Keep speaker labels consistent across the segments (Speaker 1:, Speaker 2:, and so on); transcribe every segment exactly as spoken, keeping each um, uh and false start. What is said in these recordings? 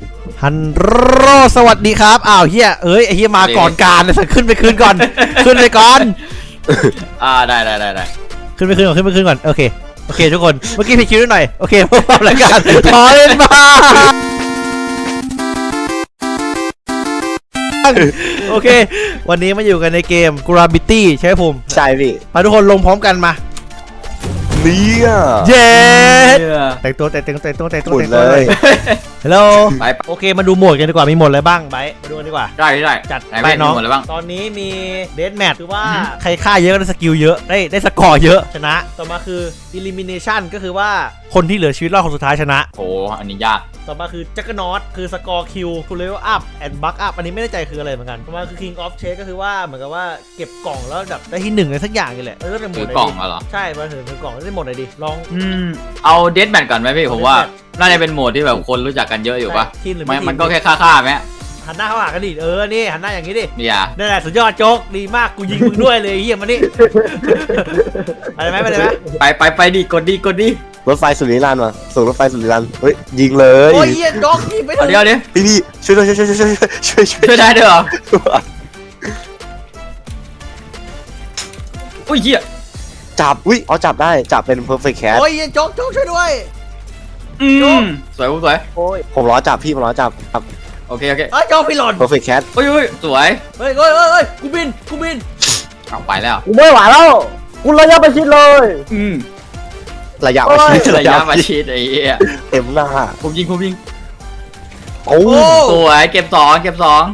Speaker 1: ฮันโรสวัสดีครับอ้าวเฮียเอ้ยไอเฮียมาก่อนการเลยสักขึ้นไปคืนก่อนขึ้นไปก่อน
Speaker 2: อ่าได้ได้ได้ได้
Speaker 1: ขึ้นไปคืนก่อนขึ้นไปคืนก่อนโอเคโอเคทุกคนเมื่อกี้ผิดคิวนิดหน่อยโอเคพวกเราแล้วกันขอเล่นมาโอเควันนี้มาอยู่กันในเกม Gravity ใช่ไหมผม
Speaker 3: ใช่พี่
Speaker 1: มาทุกคนลงพร้อมกันมา
Speaker 3: เนี่ย
Speaker 1: เย้แต่งตัวแต่งตัวแต่งตัวแต่งตัวแต่งตัวเลยฮัลโหลโอเคมาดูโหมดกันดีกว่ามีโหมดอะไรบ้างไบมาดูกันดีกว่า
Speaker 2: ได้ได้
Speaker 1: จัดไปน้องตอนนี้มีเดธแมทคือว่าใครฆ่าเยอะก็ได้สกิลเยอะได้ได้สกอร์เยอะชนะต่อมาคือ elimination ก็คือว่าคนที่เหลือชีวิตรอดคนสุดท้ายชนะ
Speaker 2: โอ้อันนี้ยาก
Speaker 1: ต่อมาคือจักรนอตคือสกอร์คิวทูเลเวลอัพแอนด์บัคอัพอันนี้ไม่แน่ใจคืออะไรเหมือนกันต่อมาคือ King of Chase ก็คือว่าเหมือนกับว่าเก็บกล่องแล้วแบบได้ที่หนึ่งอะไรสักอย่างนี่แหละเออเรื่องหมด
Speaker 2: กล่องเหรอ
Speaker 1: ใช่มาถึงถือกล่องได้หมดเลยดิลอง
Speaker 2: อืมเอาเดธแมทก่อนไหมพี่ผมว่าน่าจะเป็นโหมดที่แบบคนรู้จักกันเยอะอยู่ป่ะมันมันก็แค่ฆ่าๆไหม
Speaker 1: หันหน้าเข้าหากันดิเออนี่หันหน้าอย่างนี้ดิ
Speaker 2: นี่อ่ะ
Speaker 1: นั่นแหละสุดยอดโจ๊กดีมากกูยิงมึงด้วยเลยเฮียมานี่ไปไหมไปไหม
Speaker 2: ไปไปไปดิกดดิกดดิ
Speaker 3: รถไฟสุริรันมาส่งรถไฟสุริรันเฮ้ยยิงเลย
Speaker 1: โอ้ยเฮียโจ๊กยิงไป
Speaker 2: เดี๋ยวเดี๋ยว
Speaker 3: พี่พี่ช่วยด้วยช่วยช่วยช่วยช่วย
Speaker 2: ช่วยได้ด้วยเหรออุ้ยเฮีย
Speaker 3: จับอุ้ยเอาจับได้จับเป็น perfect cat
Speaker 1: โอ้ยเฮียโจ๊กโจ๊กช่วยด้วย
Speaker 2: อืมสวยสวย
Speaker 3: โอ้ยผมล้อจับพี่ผมล้อจับครับ
Speaker 2: โอเคโอเค
Speaker 1: เอ้ยโจ๊กพี่หล่น
Speaker 3: perfect cat
Speaker 2: โอ้ยโอ้ยสวย
Speaker 1: เฮ้ยเฮ้ยเฮ้ยกูบินกูบิน
Speaker 2: เอาไปแล้ว
Speaker 4: กูไม่ไหวแล้วกูระยะประชิดเลย
Speaker 2: อืม
Speaker 3: ระยะประชิด
Speaker 2: ระยะประชิดไอ้เหี้ย
Speaker 3: เต็มหน้า
Speaker 2: ผมยิงผมยิง
Speaker 3: โอ้
Speaker 2: สวยเก็บสองเก็บสอง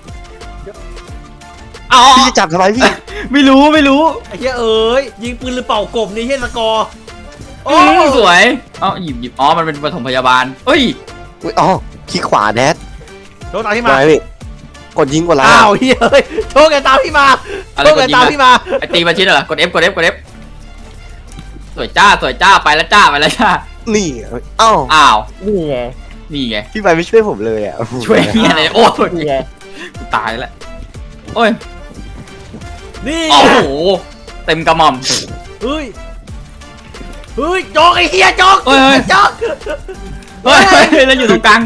Speaker 2: เอา
Speaker 3: พี่จับทำไมพี่
Speaker 2: ไม่รู้ไม่รู้
Speaker 1: ไอ้เหี้ยเอ้ยยิงปืนหรือเป่ากบนี่เหี้ยสกอร์
Speaker 2: โอ้สวยเอ้าหยิบหยิบอ๋อมันเป็นปฐมพยาบาลเฮ้ย
Speaker 3: อุ้ยอ๋อขี้ขวาแดด
Speaker 1: โชคตามพี่มา
Speaker 3: พี่กดยิงกดไลน์
Speaker 1: อ้าวเฮ้ยเฮ้ยโชคแกตามพี่มาโชคแกตามพี่มา
Speaker 2: ไอตีมาชิ้นเหรอกด F กด F กด F สวยจ้าสวยจ้าไปแล้วจ้าไปแล้วจ้า
Speaker 3: นี่อ้าว
Speaker 2: อ้าว
Speaker 4: นี่ไง
Speaker 2: นี่ไง
Speaker 3: พี่ไปไม่ช่วยผมเลยอ่ะ
Speaker 2: ช่วยเงี้ยเลยโอ้ยนี่ไงตายแล้วโอ้ย
Speaker 1: นี่
Speaker 2: โอ้โหเต็มกระหม่อม
Speaker 1: เฮ้ยเฮ้ยโจ๊กไอ้เหี้ยโจ๊กโจ๊ก
Speaker 2: เฮ้ยแล้วอยู่ตรงกลาง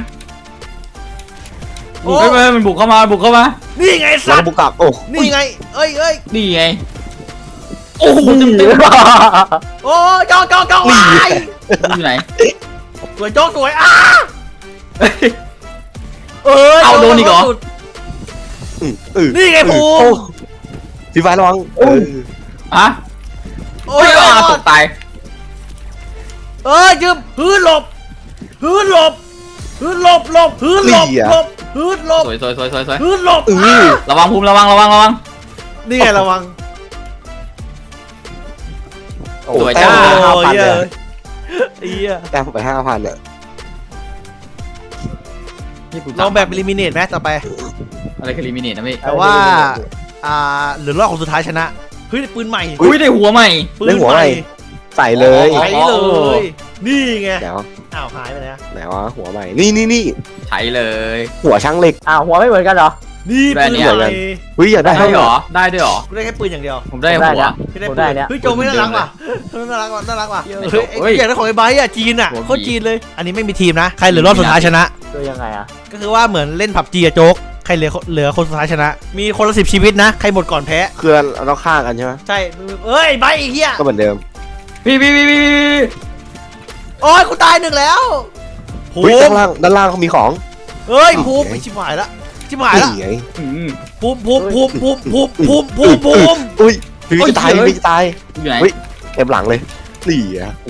Speaker 2: เฮ้ยมันบุกเข้ามาบุกเข้ามา
Speaker 1: นี่ไงสัตว์
Speaker 3: บุกกลับโอ้
Speaker 1: นี่ไงเอ้ยเอ้ย
Speaker 2: นี่ไงโอ้โหเต็มเต็ม
Speaker 1: โอ้โจ๊กโจ๊กโจ๊ก
Speaker 2: อยู่ไหน
Speaker 1: สวยโจ๊กสวยอ้าเออ
Speaker 2: เอาโดนอีกเหรอ
Speaker 1: นี่ไงภู
Speaker 3: พี่ฟ้าระวัง
Speaker 2: ฮะโอ้ยตกตาย
Speaker 1: เออยืมพื้นหลบพื้นหลบพื้นหลบหลบพื้นหลบหลบพื้นหลบ
Speaker 2: สวยสวยสวยสวยสวย
Speaker 1: พื้นหลบ
Speaker 2: ระวังภูมิระวังระวังระวัง
Speaker 1: นี่ไงระวัง
Speaker 2: สวยจ้า
Speaker 1: โอ้ยเอี้ย
Speaker 3: แต้มไปห้าพันเนี่ย
Speaker 1: ลองแบบลิมิเนตไหมต่อไป
Speaker 2: อะไรคือลิมิเนตนะพี่
Speaker 1: แต่ว่าอ่าเหลือรอบของสุดท้ายชนะเฮ้ยปืนใหม่
Speaker 2: อุ้ยได้หัวใหม่
Speaker 1: ปืนใหม่
Speaker 3: ใส่เลย
Speaker 1: ใส่เลยนี่ไง
Speaker 3: เดี๋ยว
Speaker 1: อ้าวหายไปไหน
Speaker 3: ไหนวะหัวใหม่นี่นี่นี่
Speaker 2: ใช้เลย
Speaker 3: หัวช่างเหล็ก
Speaker 4: อ้าวหัวไม่เหมือนกันเหรอ
Speaker 1: นี่ปืนใหม่
Speaker 3: เฮ้ยอยากได้
Speaker 2: ได้หรอได้ด้วยหรอ
Speaker 1: กูได้แค่ปืนอย่างเดียว
Speaker 2: ผมได้หัว
Speaker 1: ผมได้เนี่ยเฮ้ยโจไม่น่ารักว่ะน่ารักว่ะน่ารักว่ะเฮ้ยอยากได้ของไอ้ไบค์อ่ะจีนอ่ะโคตรจีนเลยอันนี้ไม่มีทีมนะใครเหลือรอบสุดท้ายชนะ
Speaker 4: คือยังไงอ่ะ
Speaker 1: ก็คือว่าเหมือนเล่นผับจีอะโจ๊กใครเหลือเหลือคนสุดท้ายชนะมีคนละสิบชีวิตนะใครหมดก่อนแพ้
Speaker 3: คือเราต้องฆ่ากันใช่ไหม
Speaker 1: ใช่เอ้ยไบค์ไอ้เหี้ย
Speaker 3: ก็เหมือนเดิม
Speaker 2: พี่พี่พี่พี่
Speaker 1: โอ้ยกูตายหนึ่งแล้ว
Speaker 3: ภูมิด้านล่างด้านล่างเขามีของ
Speaker 1: เฮ้ยภูมิชิบหายละชิบหายละภูมิภูมิภูมิภูมิภูมิภูมิภูมิภูมิ
Speaker 3: อุ้ยพี่จะตายพี่จะตาย
Speaker 2: อยู่ไหน
Speaker 3: เต็มหลังเลยนี่อ่ะ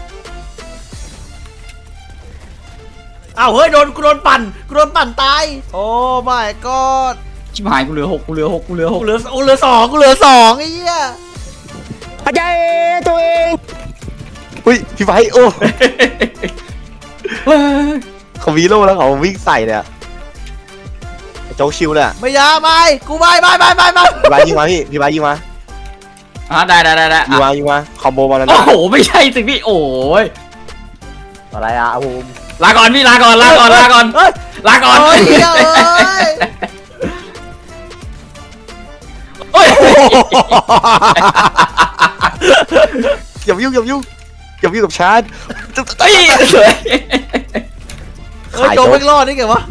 Speaker 1: อ้าวเฮ้ยโดนกูโดนปั่นกูโดนปั่นตายโอ้ไม่ก็
Speaker 2: ชิบหายกูเหลือหกกูเหลือหกกูเหลือหก
Speaker 1: กูเหลือกูเหลือสองกูเหลือสองไอ้เหี้ย
Speaker 4: หายใจตัวเอง
Speaker 3: อุ้ยพี่ไฟโอ้เขาวีโร่แล้วเขาวิ่งใส่เนี่ยโจ๊กชิวเลย
Speaker 1: ไม่ยาไม่กูไม่ไม่ไม่ไม่ไม่
Speaker 3: พี่ไฟยิงมาพี่พี่ไฟยิงมา
Speaker 2: อ่ะได้ได้ได้ได้
Speaker 3: ยิงมายิงมาคอมโบมาแล้ว
Speaker 2: โอ้โหไม่ใช่สิพี่โอ้ย
Speaker 4: อะไรอ่ะภูมิ
Speaker 2: ลาก่อนพี่ลาก่อนลาก่อนลาก่อนลาก่อน
Speaker 1: โอ้ย
Speaker 2: โอ้ย
Speaker 3: อย่ายุ่งอย่ายุ่งอย่ายุ่งกับชาร์จ
Speaker 2: เฮ้ยสวย
Speaker 1: เฮ้ย
Speaker 3: ขาย
Speaker 1: โจ
Speaker 3: โจ๊
Speaker 1: ไม่
Speaker 3: ก
Speaker 1: รอดนี่ไงวะ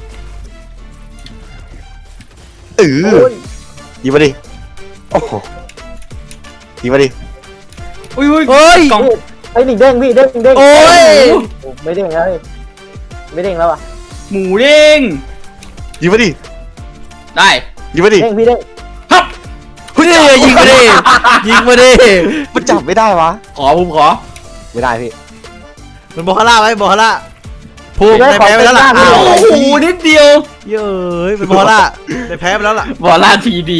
Speaker 3: เออ
Speaker 4: โอ้ย
Speaker 3: ยิงมาดิโอ้โหยิงมาดิ
Speaker 2: อุ้ยอุ้ย
Speaker 1: เฮ้ย
Speaker 2: กล่อง
Speaker 4: ไอ้หนิงเด้งพี่เด้งเด้ง
Speaker 1: โอ้ย
Speaker 4: โอ้ไม่เด้งแล้วพี่ไม่เด้งแล้วอ่ะ
Speaker 2: หมูเด้ง
Speaker 3: ยิงมาดิ
Speaker 2: ได้
Speaker 3: ยิงมาดิ
Speaker 4: เด้งพี่เด้ง
Speaker 2: ฮับ
Speaker 1: เฮ้ยยิงมาดิยิงมาดิ
Speaker 3: มันจับไม่ได้วะ
Speaker 2: ขอผมขอ
Speaker 3: ไม่ได้พี่
Speaker 1: มันบอกฮาร่าไหมบอกฮาร่าภูมิได้แพ้ไปแล้วล่ะ
Speaker 2: โอ้
Speaker 1: อ้าว
Speaker 2: โหนิดเดียว
Speaker 1: เย้ยเป็นบอกฮาร่าได้แพ้ไปแล้วล่ะ
Speaker 2: บอลลาทีดี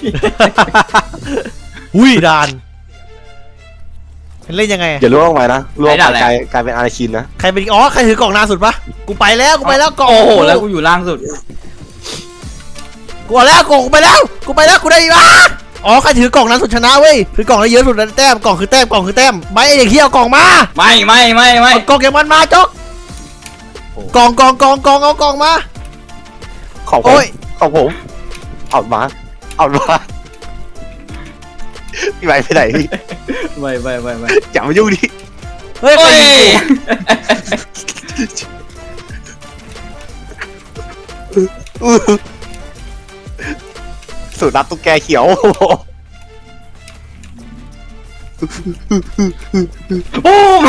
Speaker 1: หุ้ยดานเล่นยังไง
Speaker 3: อย่าล่วงไปนะล่วงไปกลายกลายเป็นอาราคินนะ
Speaker 1: ใครเป็นอ๋อใครถือกล่องนานสุดปะกูไปแล้วกูไปแล้วกล่อง
Speaker 2: โอ้โหแล้วกูอยู่ล่างสุด
Speaker 1: กูเอาแล้วกล่องกูไปแล้วกูไปแล้วกูได้มาอ๋อใครถือกล่องนั้นสุดชนะเว้ยถือกล่องได้เยอะสุดนั้นแต้มกล่องคือแต้มกล่องคือแต้มไม่ไอ้เด็กเหี้ยเอากล่องมา
Speaker 2: ไม่ไม่ไม่ไม่
Speaker 1: เอากล่องเก็บมันมาจ๊อกกล่องกล่องกล่องกล่องเอากล่องมา
Speaker 3: ของผ
Speaker 1: โอ้
Speaker 3: ม
Speaker 1: ย
Speaker 3: ของผมเอามาเอามาพี่ไปไปไหนพี่
Speaker 2: ไม่ไม่ไม่ไม่
Speaker 3: อย่ามายุ่งดิ
Speaker 1: เฮ้ยใคร
Speaker 2: โอ้ย
Speaker 1: ยิงกู
Speaker 3: สูตรนับตุ๊กแกเขียว
Speaker 2: โอ้ม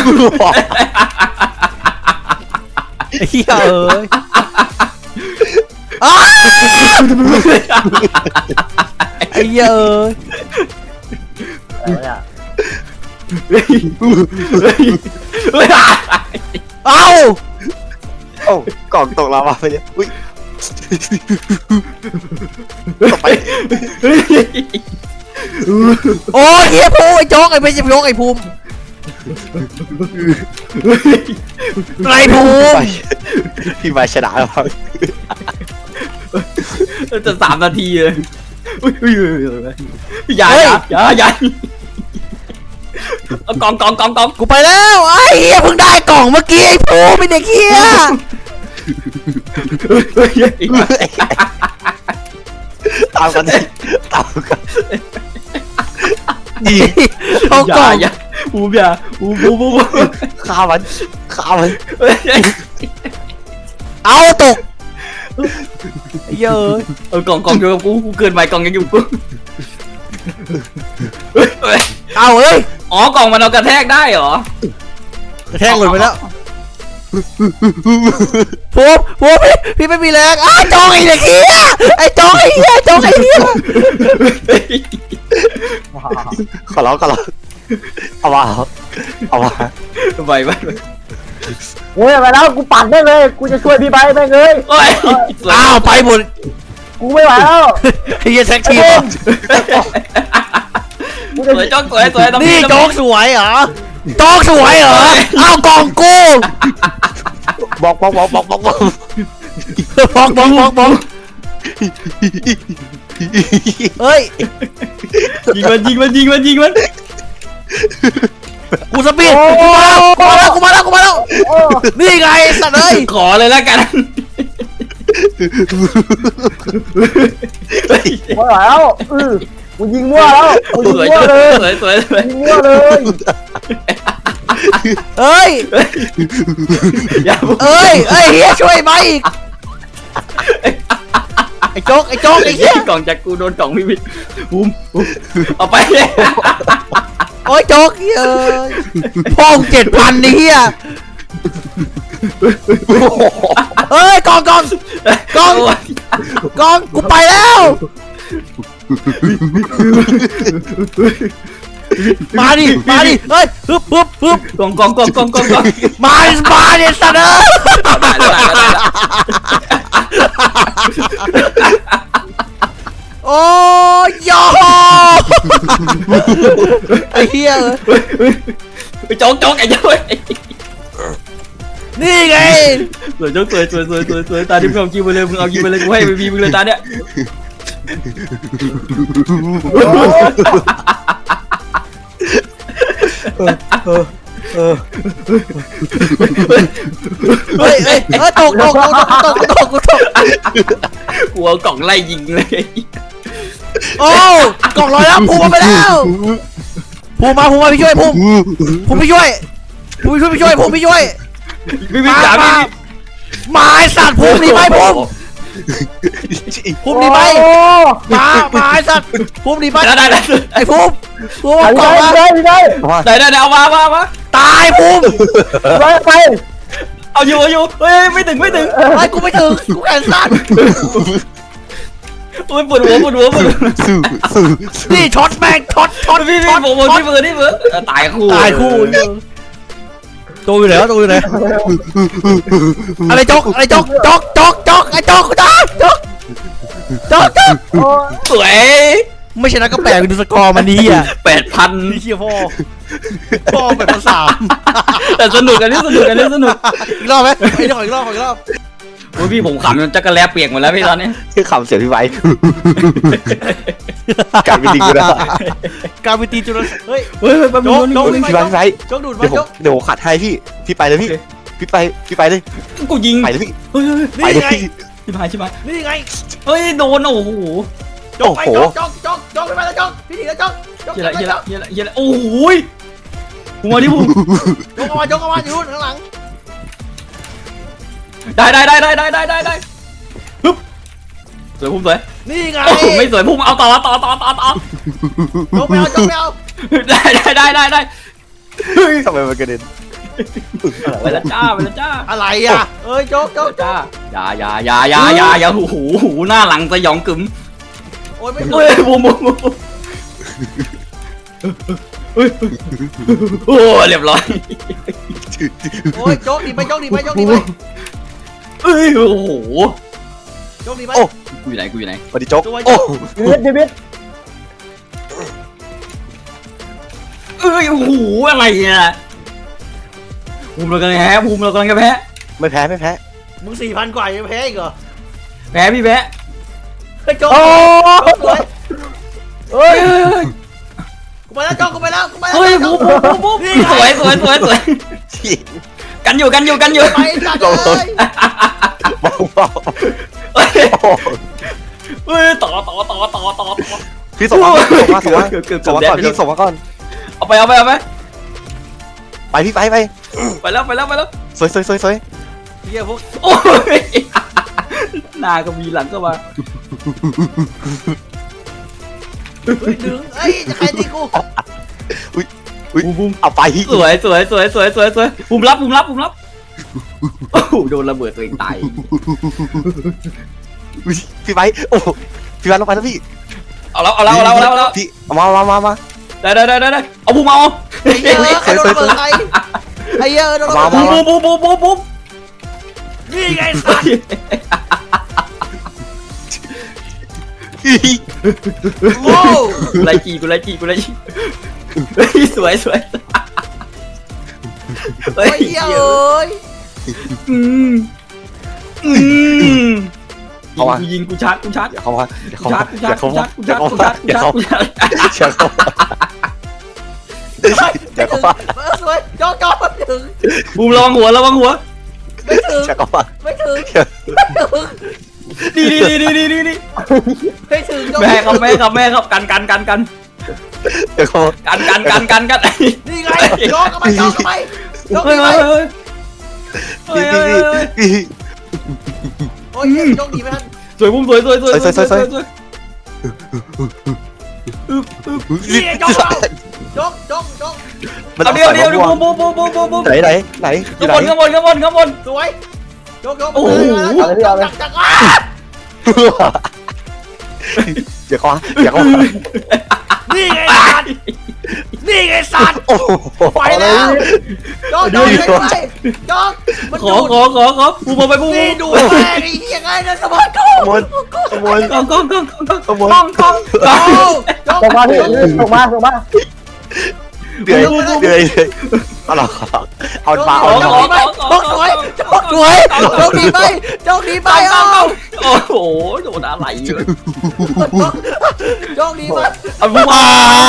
Speaker 1: ไอ้เหี้ยเอ้ยอ้าไอ้เหี้ยเอ้ย
Speaker 4: อะไรเนี่ย
Speaker 2: เฮ้ยเฮ้ยเฮ้ย
Speaker 1: เอ้า
Speaker 3: โอ้กล่องตกลาวาไปเนี่ยอุ้ยตกไป
Speaker 1: โอ้ยเหี้ยภูมิไอ้โจ๊กไอ้ไม่ใช่โจ๊กไอ้ภูมิไอ้ภูมิ
Speaker 3: พี่ไปชนะแล้วครับ
Speaker 2: จะสามนาทีเลยอุ้ยอุ้ยอย่าอย่าอย่าอย่าเอากล่องกล่องกล่องกล่อง
Speaker 1: กูไปแล้วไอ้เหี้ยเพิ่งได้กล่องเมื่อกี้ไอ้ภูมิเป็นเด็กเหี้ย
Speaker 3: ตามกันดิตามกันดี
Speaker 1: เอา
Speaker 2: อก
Speaker 1: ล่
Speaker 2: ย่า
Speaker 1: อง
Speaker 2: อย่าบูมอย่าบูมบูมบูม
Speaker 3: ฆ่ามันฆ่ามัน
Speaker 1: เอาตกไอ้เหี้ยเอ้ย
Speaker 2: เอากล่องกล่องอยู่กับกูกูเกินไปกล่องยังอยู่กู
Speaker 1: เอาเอ้ย
Speaker 2: อ๋อกล่องมันเอากระแทกได้เหรอก
Speaker 1: ระแทกหล่นไปแล้วภูมิภูมิพี่พี่ไม่มีแรงอ้าวโจ๊กไอ้เด็กเหี้ยไอ้โจ๊กไอ้เหี้ยโจ๊กไอ้เหี้ย
Speaker 3: ขอร้องขอร้องเอามาเอามา
Speaker 2: ไปไป
Speaker 4: โอ้ยไปแล้วกูปัดได้เลยกูจะช่วยพี่ใบแม่งเลย
Speaker 2: โอ้ย
Speaker 1: อ้าวไปหมด
Speaker 4: กูไม่ไหวแล้ว
Speaker 1: ไอ้เหี้ยแท็กทีม
Speaker 4: กู
Speaker 2: ส
Speaker 4: จะ
Speaker 2: วยจ้องสวยสวย
Speaker 1: นี่โจ๊กสวยเหรอโจ๊กสวยเหรอเอากล่องกู
Speaker 3: บอกบอกบอกบอกบอกบอก
Speaker 1: บอกบอกบอกบอกเฮ้ย
Speaker 2: ยิงมันยิงมันยิงมันยิงมัน
Speaker 1: กูสปีดกูมาแล้วกูมาแล้วกูมาแล้วกูมาแล้ว
Speaker 4: โอ้
Speaker 1: นี่ไงสัตว์เอ้ย
Speaker 2: ขอเลยแล้วกัน
Speaker 4: ไม่ไหวแล้วเออกูยิงมั่วแล้วกูยิง
Speaker 2: สวย
Speaker 4: มั่วเลย
Speaker 2: สวยสวยสวย
Speaker 4: ยิงมั่วเลย
Speaker 1: เอ้ย
Speaker 2: อย่า
Speaker 1: เอ้ยเอ้ยเฮียช่วยมาอีกไอ้โจ๊กไอ้โจ๊กไอ้เฮีย
Speaker 2: กล่องจากกูโดนกล่องพี่บิ๊กบูมเอาไป
Speaker 1: โอ้ยโจ๊กเฮียเอ้ยพ่อเจ็ดพันไอ้เฮียเอ้ยกองกองกองกองกูไปแล้วมาดิมาดิเฮ้ยฮึบฮึบฮึบ
Speaker 2: กล่องกล่องกล่องกล่องกล่องกล่อง
Speaker 1: มาดิมาดิสัตว์เอ้ย
Speaker 2: ได้ได้ได้
Speaker 1: โอ้ยยอไอ้เฮียเอ้ย
Speaker 2: ไปโจ๊กโจ๊กไอ้เจ้า
Speaker 1: นี่ไง
Speaker 2: สวยโจ๊กสวยสวยสวยสวยสวยตาที่มึงเอากินไปเลยมึงเอากินไปเลยกูให้ไปบีมึงเลยตาเนี้ย
Speaker 1: เฮ้ยเฮ้ยเฮ้ยตกตกตกตกตกตกตก
Speaker 2: กูเอากล่องไล่ยิงเลย
Speaker 1: โอ้กล่องลอยแล้วภูมาไปแล้วภูมาภูมาพี่ช่วยภูมิภูมิพี่ช่วยภูมิช่วยพี่ช่วยภูมิพี่ช่วย
Speaker 2: พี่บิ๊กจ๋าพี่
Speaker 1: ไม้สัตว์ภูมิหนีไปภูมิภูมิหนีไปมามาไอ้สัตว์ภูมิหนีไป
Speaker 2: ได้ได้ได้
Speaker 1: ไอ้ภูมิภูมิ
Speaker 4: ไป
Speaker 1: ก่อนมา
Speaker 4: ได้ได้
Speaker 2: ได้ได้เอามามามา
Speaker 1: ตายภูมิ
Speaker 4: ไปไป
Speaker 2: เอาอยู่เอาอยู่เฮ้ยไม่ถึงไม่ถึง
Speaker 1: ไอ้กูไม่ถึงกูแขนสั้น
Speaker 2: โอ้ยปวดหัวปวดหัวปวดหัว
Speaker 3: สู้สู้สู้
Speaker 1: นี่ช็อตแม่งช็อตช็อต
Speaker 2: พี่พี่ผมผมพี่เบิร์ดพี่เบิร์ดตายคู่
Speaker 1: ตายคู่ตัวอยู่ไหนวะตัวอยู่ไหนอะไรจกอะไรจกจกจกจกไอ้จกกูตายจกจกจก
Speaker 4: โอ้
Speaker 2: สวย
Speaker 1: ไม่ชนะก็แปลกไปดูสกอร์มันนี้อ่ะ
Speaker 2: แปดพัน
Speaker 1: นี่เชียพ่อพ่อแบบภาษา
Speaker 2: แต่สนุกกันนี่สนุกกันนี่สนุก
Speaker 1: อีกรอบไหมอีกรอบอีกรอบอีกรอบ
Speaker 2: โอ้ยพี่ผมขำจนจักรแลเปียกหมดแล้วพี่ตอนนี้
Speaker 3: คือคำเสียงพี่ไว้กลายเป็นลิงกูแล้ว
Speaker 1: การวิตีจุลเฮ้ย
Speaker 2: เฮ้ยแป๊บนึง
Speaker 1: โจ๊ก
Speaker 3: พี่ไว้พี่ไว้
Speaker 1: จกดูดมา
Speaker 3: เดี๋ยวผม
Speaker 1: จก
Speaker 3: เดี๋ยวผมขัดให้พี่พี่ไปเลยพี่พี่ไปพี่ไปเลย
Speaker 2: กูยิง
Speaker 3: ไปเลยพี่
Speaker 2: เฮ้ย
Speaker 3: ไป
Speaker 1: นี่
Speaker 3: เลย
Speaker 1: ไง
Speaker 3: พี่
Speaker 2: ชิบหายชิบหาย
Speaker 1: นี่ไง
Speaker 2: เฮ้ยโดนโอ้โห
Speaker 1: จกไปจกจกจกจกไปแล้วจกพี่ถีแล้วจกจก
Speaker 2: เฮียละเฮียละเฮียละเฮียละโอ้โหหัวดิผม
Speaker 1: จกออกมาจกออกมาอยู่ข้างหลัง
Speaker 2: ได้ได้ได้ได้ได้ได้ได้ได้ฮึบสวยพุ่มสวย
Speaker 1: นี่ไง
Speaker 2: โอ้โหไม่สวยพุ่มเอาต่อต่อต่อต่อต่อ
Speaker 1: จกไปเอาจกไปเอา
Speaker 2: ได้ได้ได้ได้ได้
Speaker 3: ทำไมมันกระเด็น
Speaker 2: ไปแล้วจ้าไปแล้วจ้า
Speaker 1: อะไรอ่ะเอ้ยจกจกจ
Speaker 2: จ้าก อย่าอย่าอย่าอย่าอย่าอย่าหูหูหูหน้าหลังสยองกึ๋ม
Speaker 1: โอ้ยไม่
Speaker 2: เฮ้ยบูมบูมบูมโอ้เรียบร้อย
Speaker 1: โอ้ยจกดีไปจกดีไปจกดีไป
Speaker 2: เอ้ยโอ้โห
Speaker 1: จกดีไป
Speaker 2: กูอยู่ไหนกูอยู่ไหน
Speaker 3: สวัสดีโจ๊ก
Speaker 1: ตัว
Speaker 3: โอ้
Speaker 1: โจ๊ก
Speaker 4: ชีวิตชีวิต
Speaker 2: เอ้ยโอ้โหอะไรเนี่ยภูมิเรากำลังแพ้ภูมิเรากำลังจะแพ้
Speaker 3: ไม่แพ้ไม่แพ้
Speaker 1: มึงสี่พันกว่ายังแพ้อีกเหรอ
Speaker 2: แพ้พี่แพ้
Speaker 1: เฮ้ยจก
Speaker 4: โอ้
Speaker 1: จกสวย
Speaker 4: เฮ้ย
Speaker 2: เฮ้ย
Speaker 1: กูไปแล้วจกกูไปแล้วกูไปแล้ว
Speaker 2: เฮ้ย
Speaker 1: จ
Speaker 2: ภู
Speaker 1: ก
Speaker 2: มิภูมิภูมิสวยสวยสวยสวย
Speaker 3: ที่
Speaker 2: กันอยู่กันอยู่กันอยู่
Speaker 1: ไปจัดเลย
Speaker 3: เบาเบา
Speaker 2: เฮ้ย
Speaker 3: โอ้
Speaker 2: เฮ้ยต่อต่อต่อต่อต่อต่อ
Speaker 3: พี่ส่งมาส่งมาส่งมา
Speaker 2: เกือบเกือบ
Speaker 3: ส่งมาก่อน
Speaker 2: เกือบ
Speaker 3: พี่ส่งมาก่อน
Speaker 2: เอาไปเอาไปเอาไป
Speaker 3: ไปพี่ไปไป
Speaker 2: ไปแล้วไปแล้วไปแล้ว
Speaker 3: สวยสวยสวยสวย
Speaker 1: เฮียพวก
Speaker 2: โอ้ยหน้าก็มีหลังก็มา
Speaker 1: เฮ้ยดึงเอ้ยจะใครตีกู
Speaker 3: อุ้ย
Speaker 2: บูมบูม
Speaker 3: เอาไป
Speaker 2: สวยสวยสวยสวยสวยสวยภูมิรับภูมิรับภูมิรับโอ้โหโดนระเบิดตัวเองตาย
Speaker 3: อุ๊ยพี่ไปโอ้พี่ไปลงไปแล้วพี่
Speaker 2: เอาแล้วเอาแล้วเอาแล้วเอาแล้วเอาแล้ว
Speaker 3: พี่เอามามามามา
Speaker 2: ได้ได้ได้ได้ได้เอาภูมิเอา
Speaker 1: ไอ้เหี้ยใครโดนระเบิดใครไอ้เหี้ยโดนระเบิด
Speaker 2: บูมบูมบูมบูมบูม
Speaker 1: นี่ไงสัตว์โอ้
Speaker 2: กูไล่จีกูไล่จีกูไล่จีเฮ้ยสวยสวย
Speaker 1: ไอ้เหี้ยเอ้ย
Speaker 2: อืมอืม
Speaker 3: เอาวะ
Speaker 2: กูยิงกูชาร์จกูชาร์จ
Speaker 3: อย่าเข้ามาอย่า
Speaker 2: กู
Speaker 3: เข้ามา
Speaker 2: ชาร์จกู
Speaker 3: อย่า
Speaker 2: ชา
Speaker 3: เข้า
Speaker 2: ร์จกู
Speaker 3: มา
Speaker 2: ชาร์จ
Speaker 3: อย่า
Speaker 2: กู
Speaker 3: เข้า
Speaker 2: ชาร์จ
Speaker 3: มา
Speaker 2: กูชาร์จกูชาร์จ
Speaker 3: อย่าเข้ามาอย่าเข้ามา
Speaker 1: เออสวยจอกจอกไม่ถึง
Speaker 2: บูมระวังหัวระวังหัว
Speaker 1: ไม่ถึง
Speaker 3: อย่าเข้ามา
Speaker 1: ไม่ถึง
Speaker 2: ดีดีดีดีดีดี
Speaker 1: ไม่ถึงจอก
Speaker 2: แม่ครับแม่ครับแม่ครับกันกันกันกัน
Speaker 3: อย่าเข้ามา
Speaker 2: กันกันกันกันกัน
Speaker 1: นี่ไงจอกเข้าไปจอกเข้าไปจอก
Speaker 2: เฮ้ย
Speaker 1: เข้า
Speaker 2: เฮ้
Speaker 1: ไป
Speaker 2: ยเฮ้ยเฮ้ยเฮ้ย
Speaker 3: พี่พี่พี่
Speaker 1: โอ้ยจอกดีไหมท่าน
Speaker 2: สวยบูมสวยสวยสวย
Speaker 1: นี่จอกเราจอกจอกจอก
Speaker 3: มัน
Speaker 2: เอา
Speaker 3: ต้อง
Speaker 2: เดี๋ยว
Speaker 3: ใส่
Speaker 2: เดี๋ยว
Speaker 3: มะม่วง
Speaker 2: บูมบูมบูมบูมบูม
Speaker 3: ไหนไหนไหนอยู่
Speaker 2: ข้าง
Speaker 3: ไหน
Speaker 2: บนข้างบนข้างบนข้างบน
Speaker 1: สวยจอกจอก
Speaker 2: โอ้โห
Speaker 1: จักจักจักอ่ะ
Speaker 3: อย่าเข้ามาอย่าเข้ามา
Speaker 1: นี่ไงสัตว์นี่ไงสัตว์
Speaker 3: โอ้โห
Speaker 1: ไปแล้วจอกจอกไปไปจอกมัน
Speaker 2: ขอ
Speaker 1: ดูด
Speaker 2: ขอขอขอบูมเอาไปบูม
Speaker 1: นี่ดูแม่งไอ้เหี้ยไงนะสมองกู
Speaker 3: ขโมยขโมย
Speaker 2: กล้องกล้องกล้องกล้อง
Speaker 3: ขโมย
Speaker 2: กล้องกล้องกล้อง
Speaker 1: จอก
Speaker 4: ส่งมาพี่ส่งมาส่งมา
Speaker 3: เดือยเดือยเอาหรอเอามาเอา
Speaker 1: จ
Speaker 3: เอา
Speaker 1: อกดีไหมจอกสวยจอกสวยจอกดีไหมจอกดีไหมเอา
Speaker 2: โอ้โหโดนอะไรอยู่
Speaker 1: จอกดีไหม
Speaker 2: เอาบูมมา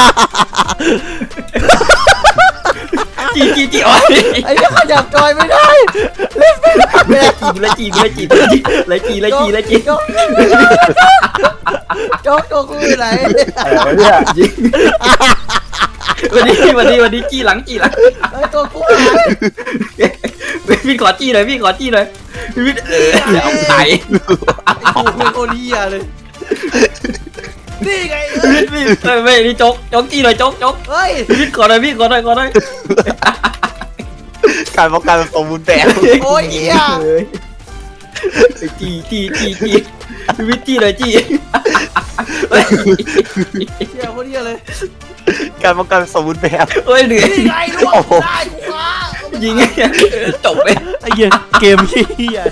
Speaker 2: จีจีจีอ๋อ
Speaker 1: ไอ้เหี้ยขยับจอยไม่ได้เล่นไม่ได้แม่
Speaker 2: เลยจีเลยจีเลยจีเลยจีเลยจีเลยจี
Speaker 1: จอกจอกจอกกูอยู่ไหน
Speaker 4: อะไรเนี่ย
Speaker 2: วันนี้วันนี้วันนี้จีหลังจีหลัง
Speaker 1: ไอ้ตัวกู
Speaker 2: พี่ขอจี้หน่อยพี่ขอจี้หน่อยพี่วิทย์เออเอาไข่
Speaker 1: ไอ้กูเป็นคนเหี้ยเลยนี่ไง
Speaker 2: พี่วิทย์พี่เออไม่นี่โจ๊กโจ๊กจี้หน่อยโจ๊กโจ๊ก
Speaker 1: เฮ้ย
Speaker 2: พี่วิทย์ขอหน่อยพี่ขอหน่อยขอหน่อย
Speaker 3: การป้องกันสมบูรณ์แบบ
Speaker 1: โอ้ยเหี้ย
Speaker 2: จี้จี้จี้จี้พี่วิทย์จี้หน่อยจี้
Speaker 1: เหี้ยคนเหี้ยเลย
Speaker 3: การป้องกันสมบูรณ์แบบ
Speaker 2: เฮ้ยเหนื่อย
Speaker 1: นี่ไงลูกได้กูว่า
Speaker 2: ยิงจบเลย
Speaker 1: ไอ้เหี้ยเกมเหี้ย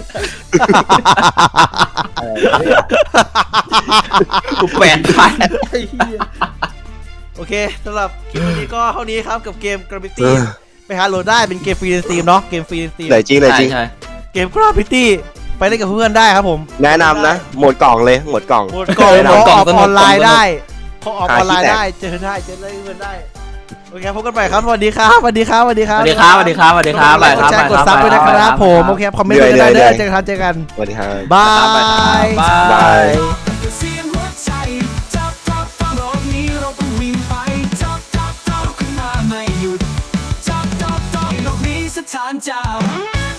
Speaker 2: กูแปดพัน
Speaker 1: ไอ้เหี้ยโอเคสำหรับคลิปวันนี้ก็เท่านี้ครับกับเกม Gravity ไปหาโหลดได้เป็นเกมฟรีในสตรีมเนาะเกมฟรีในสตรีม
Speaker 3: ไหนจริงไหนจริง
Speaker 2: ใช่
Speaker 1: เกม Gravity ไปเล่นกับเพื่อนได้ครับผม
Speaker 3: แนะนำนะ หมดกล่องเลย หมดกล่อง
Speaker 1: หมดกล่อง
Speaker 3: แนะ
Speaker 1: ขอน
Speaker 3: ำ
Speaker 1: ออกออนไลน์ได้ขอออก
Speaker 3: หา
Speaker 1: ออนไลน์
Speaker 3: ที่แตก
Speaker 1: ได้เจอได้เจอได้เพื่อนได้โอเคพบกันใหม่ครับสวัสดีครับสวัสดีครับสวัสดีค
Speaker 2: ส
Speaker 1: รับ
Speaker 2: วัสดีครับสวัสดีครับสวัสดีครับ
Speaker 1: กดไลค์กดแชร์กดซับด้วยนะครับผมโอเคคอมเมนต์กันได้เด้อเจอกันเจอกัน
Speaker 3: สวัสดีครับ
Speaker 1: บาย
Speaker 2: บาย
Speaker 3: บาย
Speaker 5: เสียงหัวใจจับจับจับโลกนี้เราต้องวิ่งไปจับจับจับขึ้นมาไม่หยุดจับจับจับโลกนี้สถานเจ้า